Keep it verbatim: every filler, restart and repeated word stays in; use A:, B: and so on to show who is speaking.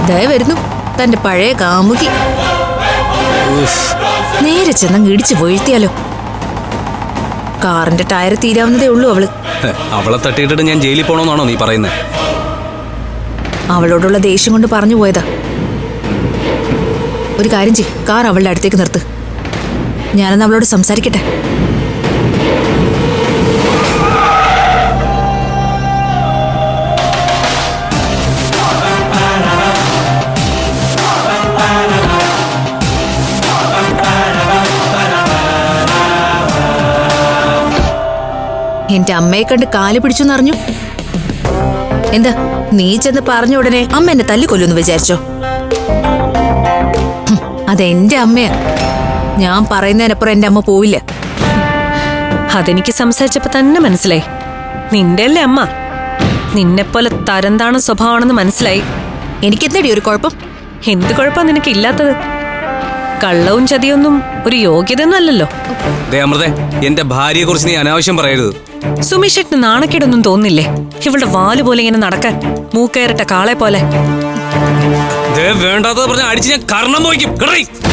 A: ദയ വരുന്നു തന്റെ പഴയ കാമുകി. നേരെ ചെന്നങ്ങ് ഇടിച്ചു വീഴ്ത്തിയാലോ? കാറിന്റെ ടയർ തീരാവുന്നതേ ഉള്ളൂ അവള്.
B: അവളെ തട്ടിയിട്ടിട്ട് ഞാൻ ജയിലിൽ പോണോന്നാണോ നീ പറയുന്നത്?
A: അവളോടുള്ള ദേഷ്യം കൊണ്ട് പറഞ്ഞു പോയതാ. ഒരു കാര്യം ചെയ്യ്, കാർ അവളുടെ അടുത്തേക്ക് നിർത്ത്. ഞാനെന്ന് അവളോട് സംസാരിക്കട്ടെ. എന്റെ അമ്മയെ കണ്ട് കാല് പിടിച്ചെന്നറിഞ്ഞു. എന്താ നീ ചെന്ന് പറഞ്ഞ ഉടനെ അമ്മ എന്നെ തല്ലിക്കൊല്ലുന്നു വിചാരിച്ചോ? അതെന്റെ അമ്മയാ. ഞാൻ പറയുന്നതിനപ്പുറം എന്റെ അമ്മ പോവില്ല.
C: അതെനിക്ക് സംസാരിച്ചപ്പോ തന്നെ മനസ്സിലായി. നിന്റെ അല്ലേ അമ്മ. നിന്നെപ്പോലെ തരംതാണ സ്വഭാവമാണെന്ന് മനസ്സിലായി.
A: എനിക്കെന്തടി ഒരു കുഴപ്പം?
C: എന്ത് കുഴപ്പമാ നിനക്ക് ഇല്ലാത്തത്? കള്ളവും ചതിയൊന്നും ഒരു യോഗ്യതയൊന്നും അല്ലല്ലോ.
B: അമൃതേ, എന്റെ ഭാര്യയെ കുറിച്ച് നീ അനാവശ്യം പറയരുത്.
C: സുമേഷേട്ടന് നാണക്കേടൊന്നും തോന്നില്ലേ ഇവളുടെ വാല് പോലെ ഇങ്ങനെ നടക്കാൻ? മൂക്കയറിട്ട കാളെ പോലെ.
B: വേണ്ടാത്തത് പറഞ്ഞ അടിച്ച് ഞാൻ കർണം പോയിക്കും.